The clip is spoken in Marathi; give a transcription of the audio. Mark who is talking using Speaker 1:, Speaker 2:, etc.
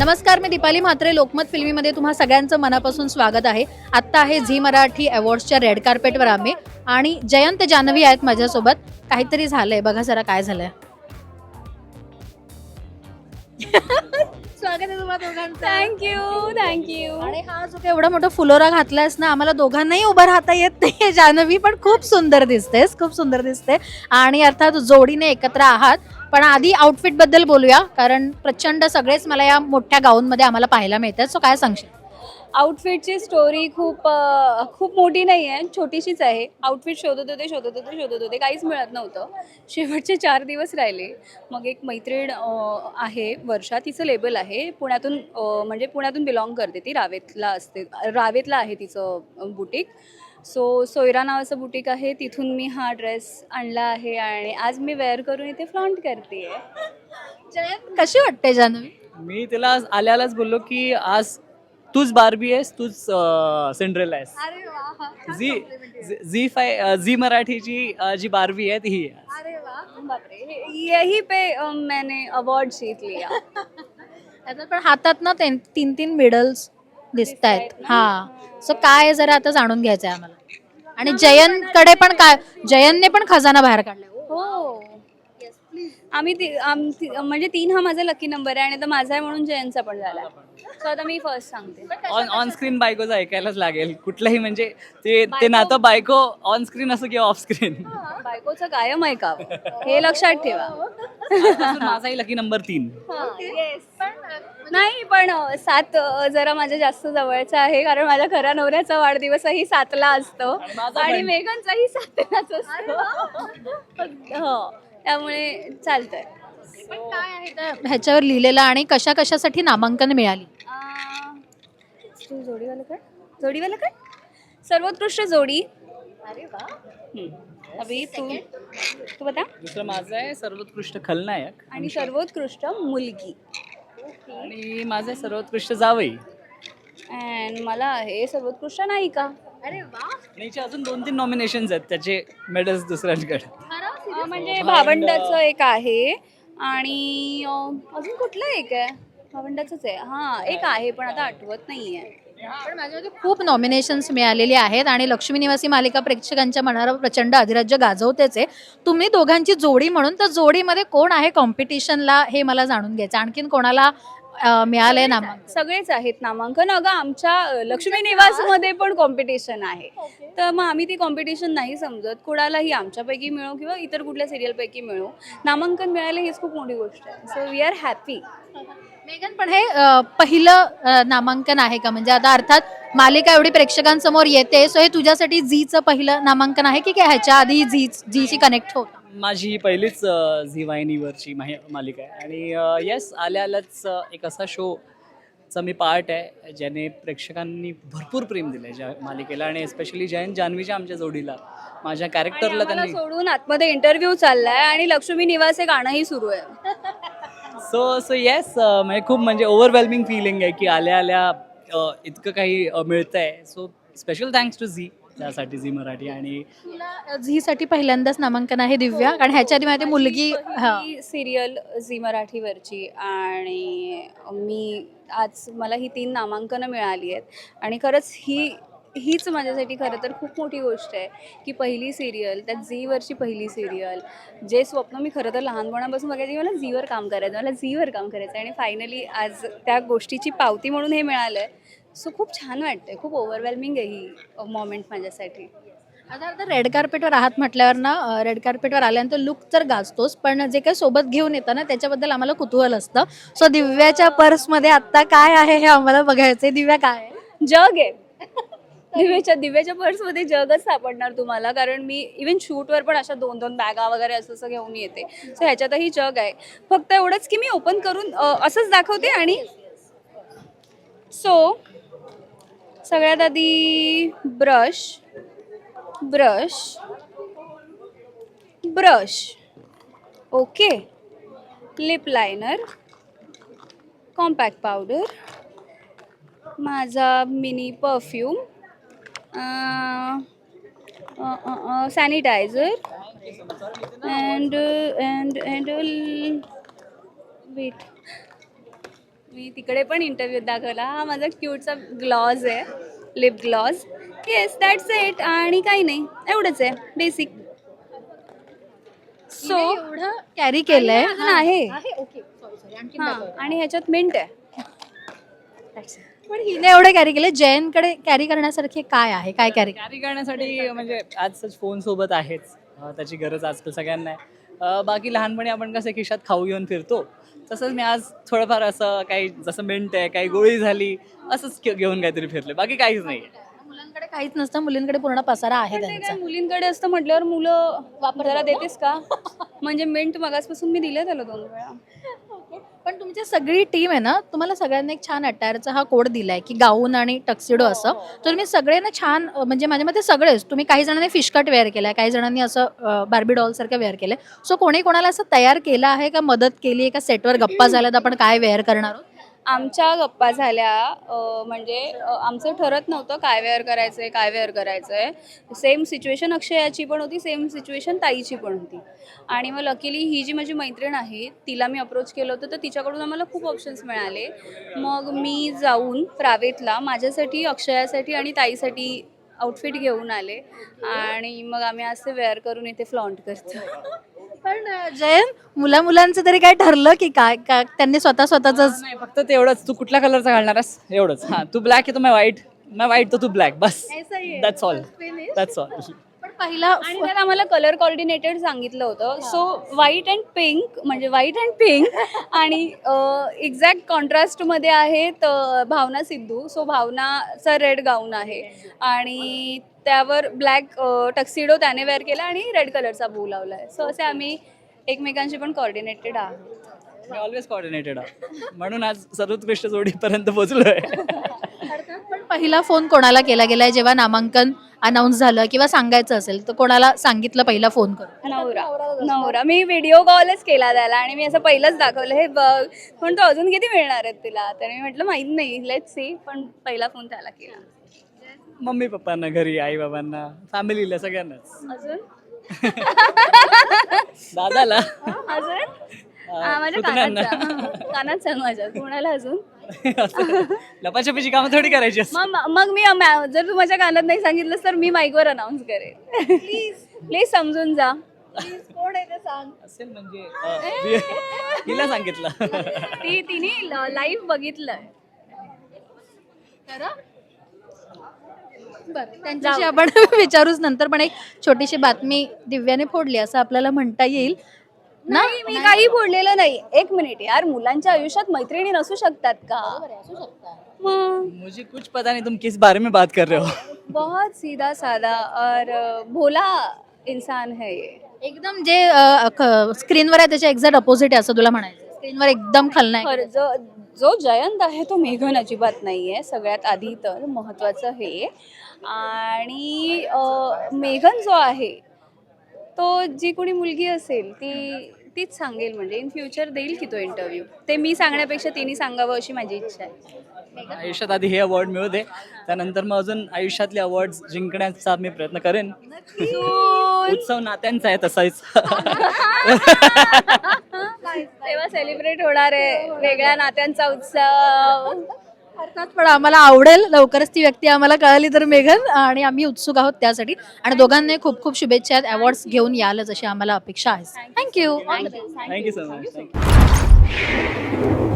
Speaker 1: नमस्कार, मी दीपाली म्हात्रे. लोकमत फिल्मीमध्ये तुम्हा सगळ्यांचं मनापासून स्वागत आहे. आत्ता आहे झी मराठी अवॉर्ड्सच्या रेड कार्पेटवर आम्ही आणि जयंत जान्हवी आहेत माझ्यासोबत. काहीतरी झालंय, बघा जरा काय झालंय. स्वागत आहे तुम्हा दोघांचं.
Speaker 2: थँक्यू.
Speaker 1: आणि हा जो एवढा मोठा फुलोरा घातलायस ना, आम्हाला दोघांनाही उभं राहता येत नाही. जान्हवी पण खूप सुंदर दिसतेस, खूप सुंदर दिसते. आणि अर्थात जोडीने एकत्र आहात. पण आधी आउटफिट बद्दल बोलूया, कारण प्रचंड सगळेच मला या मोठ्या गाऊनमध्ये आम्हाला पाहायला मिळतात. सो काय सांगशील?
Speaker 2: आउटफिटची स्टोरी खूप मोठी नाही आहे, छोटीशीच आहे. आउटफिट शोधत होते, काहीच मिळत नव्हतं. शेवटचे 4 दिवस राहिले. मग एक मैत्रीण आहे वर्षा, तिचं लेबल आहे पुण्यातून, म्हणजे पुण्यातून बिलॉंग करते ती. रावेतला आहे तिचं बुटीक. सोयरा नावाचं बुटीक आहे, तिथून मी हा ड्रेस आणला आहे आणि आज मी वेअर करून इथे फ्लॉन्ट करते आहे.
Speaker 1: जयंत, कशी वाटते जान्हवी?
Speaker 3: मी तिला आल्यालाच बोललो की आज तूच बार्बी आहेस, तूच सिंड्रेला आहेस.
Speaker 1: अरे वा,
Speaker 3: झी मराठीची जी बार्बी आहे ती आहे.
Speaker 1: अरे वा.
Speaker 2: बापरे, यही पे मैंने अवार्ड जीत लिया.
Speaker 1: आता पण हातात ना 3 मेडल्स दिसत आहेत. हा, सो काय जरा आता जाणून घ्यायचंय आम्हाला. आणि जयंतकडे पण काय, जयंतने पण खजाना बाहेर काढलाय.
Speaker 2: हो, म्हणजे 3 हा माझा लकी नंबर आहे आणि आता माझा आहे म्हणून जयंतचा पण झाला. सो आता मी फर्स्ट सांगते.
Speaker 3: ऑन स्क्रीन बायकोचं ऐकायलाच लागेल कुठलंही, म्हणजे ते नातं बायको ऑन स्क्रीन असो किंवा ऑफ स्क्रीन.
Speaker 2: बायकोचं कायम ऐकावं, हे लक्षात ठेवा.
Speaker 3: माझाही लकी नंबर 3.
Speaker 2: नाही, पण 7 जरा माझ्या जास्त जवळचा आहे, कारण माझ्या खऱ्या नवऱ्याचा वाढदिवसही 7ला असतो आणि मेघनचाही 7लाच असतो. हो, त्यामुळे चालतंय.
Speaker 1: पण काय आहे त्या ह्याच्यावर लिहिलेलं आणि कशा कशासाठी नामांकन मिळाली?
Speaker 2: जोडीवाला काय सर्वोत्कृष्ट जोडी. अरे वा. अभि तू बता.
Speaker 3: दुसरं माझं आहे सर्वोत्कृष्ट खलनायक
Speaker 2: आणि सर्वोत्कृष्ट मुलगी.
Speaker 3: आणि माझं आहे सर्वोत्कृष्ट जावई.
Speaker 2: अँड मला आहे सर्वोत्कृष्ट नायिका.
Speaker 1: अरे वा.
Speaker 3: आणि याचे अजून 2-3 नॉमिनेशन्स आहेत, त्याचे मेडल्स दुसऱ्यांकडे.
Speaker 2: म्हणजे भावंडाचं एक आहे आणि अजून कुठलं एक आहे, भावंडाचंच आहे. हा, एक आहे पण आता आठवत नाहीये.
Speaker 1: पण माझ्यामध्ये खूप नॉमिनेशन्स मिळालेली आहेत आणि लक्ष्मी निवासी मालिका प्रेक्षकांच्या मनावर प्रचंड अधिराज्य गाजवतेच आहे. तुम्ही दोघांची जोडी म्हणून, तर जोडीमध्ये कोण आहे कॉम्पिटिशनला हे मला जाणून घ्यायचं. आणखीन कोणाला मिळालंय नामांकन?
Speaker 2: सगळेच आहेत नामांकन. अगं, आमच्या लक्ष्मी निवासमध्ये पण कॉम्पिटिशन आहे. तर मग आम्ही ती कॉम्पिटिशन नाही समजत. कुणालाही आमच्यापैकी मिळो किंवा इतर कुठल्या सिरियलपैकी मिळो, नामांकन मिळालं हीच खूप मोठी गोष्ट आहे. So we are happy.
Speaker 1: मेघन, पण हे पहिलं नामांकन आहे का? म्हणजे आता अर्थात मालिका एवढी प्रेक्षकांसमोर येते, सो हे तुझ्यासाठी झीचं पहिलं नामांकन आहे की ह्याच्या आधी झीची कनेक्ट होता?
Speaker 3: माझी ही पहिलीच झी वाहिनीवरची मालिका आहे आणि येस, आल्यालाच एक असा शोचा मी पार्ट आहे ज्याने प्रेक्षकांनी भरपूर प्रेम दिलं आहे ज्या मालिकेला, आणि एस्पेशली जयंत जान्हवीच्या आमच्या जोडीला, माझ्या कॅरेक्टरला त्यांनी
Speaker 2: सोडून आतमध्ये इंटरव्ह्यू चाललाय आणि लक्ष्मी निवास हे गाणंही सुरू आहे.
Speaker 3: सो येस, म्हणजे खूप म्हणजे ओव्हरवेल्मिंग फिलिंग आहे की आल्या इतकं काही मिळतंय. So special thanks to Zee, त्यासाठी झी मराठी. आणि
Speaker 1: तुला झीसाठी पहिल्यांदाच नामांकन आहे दिव्या, कारण ह्याच्या आधी माझी मुलगी
Speaker 2: सिरियल झी मराठीवरची, आणि मला ही 3 नामांकनं मिळाली आहेत. आणि खरंच हीच माझ्यासाठी खरं तर खूप मोठी गोष्ट आहे की पहिली सिरियल, त्यात झीवरची पहिली सिरियल, जे स्वप्न मी खरं तर लहानपणापासून बघायची, मला झीवर काम करायचं आणि फायनली आज त्या गोष्टीची पावती म्हणून हे मिळालं आहे. सो खूप छान वाटतंय, खूप ओव्हरवेल्मिंग आहे ही मोमेंट माझ्यासाठी.
Speaker 1: आता रेड कार्पेटवर आहात म्हटल्यावर ना, रेड कार्पेटवर आल्यानंतर लुक तर गाजतोच, पण जे काही सोबत घेऊन येतं ना त्याच्याबद्दल आम्हाला कुतूहल असतं. सो दिव्याच्या पर्समध्ये आत्ता काय आहे हे आम्हाला बघायचंय. दिव्या, काय आहे?
Speaker 2: जग आहे. दिव्याच्या पर्समध्ये जगच सापडणार तुम्हाला, कारण मी इव्हन शूटवर पण अशा 2-2 बॅगा वगैरे असं घेऊन येते. सो ह्याच्यातही जग आहे. फक्त एवढंच की मी ओपन करून असंच दाखवते. आणि सो सगळ्यात आधी brush, okay, lip liner, compact powder, माझा mini perfume, sanitizer and wait, मी तिकडे पण इंटरव्ह्यू दाखवला. हा माझा क्यूटचा ग्लॉज आहे, lip gloss. Yes, that's it. आणि काही नाही, एवढंच आहे बेसिक. सो
Speaker 1: एवढं कॅरी केलंय.
Speaker 2: अजून आहे.
Speaker 1: ओके सॉरी आणखी
Speaker 2: हां, आणि ह्याच्यात मिंट आहे.
Speaker 1: पण हिने एवढं कॅरी केलंय. जयंतकडे कॅरी करण्यासारखे काय आहे, काय कॅरी?
Speaker 3: कॅरी करण्यासाठी म्हणजे आजच फोन सोबत आहेच, त्याची गरज आजकाल सगळ्यांना आहे. बाकी लहानपणी आपण कसं खिशात खाऊ घेऊन फिरतो, तसंच मी आज थोडंफार असं काही, जसं मिंट आहे, काही गोळी झाली, असंच घेऊन काहीतरी फिरले, बाकी काहीच नाही.
Speaker 1: मुलांकडे काहीच नसतं, मुलींकडे पूर्ण पसारा आहे
Speaker 2: पण ते
Speaker 1: त्यांचा.
Speaker 2: काय मुलींकडे असतं म्हटल्यावर मुलं वापरायला देतेस का? म्हणजे मिंट मगासपासून मी दिले त्याला 2 वेळा.
Speaker 1: पण तुमची सगळी टीम आहे ना, तुम्हाला सगळ्यांना एक छान अटायरचा हा कोड दिलाय की गाऊन आणि टक्सिडो असं. तर तुम्ही सगळे ना छान, म्हणजे माझ्या मते सगळेच, तुम्ही काही जणांनी फिश कट वेअर केलाय, काही जणांनी असं बार्बी डॉल सारखं वेअर केलंय. सो कोणी कोणाला असं तयार केलं आहे का, मदत केली आहे का, सेटवर गप्पा झाल्यात आपण काय वेअर करणार आहोत?
Speaker 2: आमच्या गप्पा झाल्या. म्हणजे आमचं ठरत नव्हतं काय वेअर करायचंय, काय वेअर करायचंय. सेम सिच्युएशन अक्षयाची पण होती, सेम सिच्युएशन ताईची पण होती. आणि मग लकीली ही जी माझी मैत्रीण आहे तिला मी अप्रोच केलं होतं, तर तिच्याकडून आम्हाला खूप ऑप्शन्स मिळाले. मग मी जाऊन प्रावेतला माझ्यासाठी, अक्षयासाठी आणि ताईसाठी आउटफिट घेऊन आले. आणि मग आम्ही असे वेअर करून इथे फ्लॉन्ट करतो.
Speaker 1: पण जयंत, मुलांचं तरी काय ठरलं की काय, त्यांनी स्वतःच
Speaker 3: नाही, फक्त तेवढंच, तू कुठल्या कलरचा घालणारस एवढंच. हां, तू ब्लॅक आहे तर मैं व्हाईट तर तू ब्लॅक, बस. That's all.
Speaker 1: पण पहिला
Speaker 2: आणि त्यात आम्हाला कलर कोऑर्डिनेटेड सांगितलं होतं. सो व्हाईट अँड पिंक, म्हणजे व्हाईट अँड पिंक. आणि एक्झॅक्ट कॉन्ट्रास्टमध्ये आहेत भावना सिद्धू. सो भावनाचा रेड गाऊन आहे आणि त्यावर ब्लॅक टक्सिडो त्याने वेअर केला आणि रेड कलरचा बू लावला आहे. सो असे आम्ही एकमेकांशी पण कोऑर्डिनेटेड आहोत.
Speaker 3: मी ऑलवेज कोऑर्डिनेटेड म्हणून आज सर्वोत्कृष्ट जोडीपर्यंत पोहोचलोय.
Speaker 1: पण पहिला फोन कोणाला केला गेलाय जेव्हा नामांकन अनाऊन्स झालं किंवा सांगायचं असेल तर कोणाला सांगितलं पहिला फोन करून?
Speaker 2: नवरा. मी व्हिडिओ कॉलच केला त्याला आणि मी असं पहिलंच दाखवलं, हे बघ. पण तो अजून किती मिळणार आहेत तिला, तर मी म्हटलं माहित नाही, लेट्स सी. पण पहिला फोन त्याला केला.
Speaker 3: मम्मी पप्पांना घरी, आई बाबांना, फॅमिलीला, सगळ्यांनाच.
Speaker 2: अजून
Speaker 3: दादाला,
Speaker 2: अजून माझ्या
Speaker 3: पुतण्यांना.
Speaker 2: कानात सांग माझ्या. कोणाला अजून?
Speaker 3: लपाछपीची कामं थोडी करायची असतात.
Speaker 2: मग मी जर तू माझ्या कानात नाही सांगितलंस तर मी माईकवर अनाऊन्स करेन. प्लीज समजून जा. कोण आहे ते सांग.
Speaker 3: असेल म्हणजे हिला सांगितलं.
Speaker 2: तिने लाईव्ह बघितलंय.
Speaker 1: त्यांच्याशी आपण विचारूच नंतर. पण एक छोटीशी बातमी दिव्याने फोडली असं आपल्याला म्हणता येईल.
Speaker 2: नाही, मी काही बोललेलं नाही. 1 मिनिट यार, मुलांच्या आयुष्यात मैत्रिणी नसू शकतात का? मग
Speaker 3: मुझे कुछ पता नहीं तुम किस बारे में बात कर रहे हो.
Speaker 2: बहुत सीधा साधा और भोला इंसान है ये.
Speaker 1: एकदम जे स्क्रीनवर आहे त्याच्या एक्झॅक्ट अपोजिट आहे असं तुला म्हणायचं. स्क्रीनवर एकदम खलनायक.
Speaker 2: खरं जो जयंत आहे तो मेघन अजिबात नाहीये. सगळ्यात आधी तर महत्वाचं हे. आणि मेघन जो आहे तो जी कोणी मुलगी असेल तीच सांगेल. म्हणजे इन फ्युचर देईल की तो इंटरव्ह्यू. ते मी सांगण्यापेक्षा तिने सांगावं अशी माझी इच्छा आहे.
Speaker 3: आयुष्यात आधी हे अवॉर्ड मिळू दे, त्यानंतर मग अजून आयुष्यातले अवॉर्ड जिंकण्याचा मी प्रयत्न करेन. उत्सव नात्यांचा आहे तसाच.
Speaker 2: तेव्हा सेलिब्रेट होणार आहे वेगळ्या नात्यांचा उत्सव.
Speaker 1: अर्थात. पण आम्हाला आवडेल लवकरच ती व्यक्ती आम्हाला कळाली तर मेघन, आणि आम्ही उत्सुक आहोत त्यासाठी. आणि दोघांनाही खूप खूप शुभेच्छा आहेत. अवॉर्ड्स घेऊन यालच अशी आम्हाला अपेक्षा आहे. थँक्यू.
Speaker 3: Thank you so much.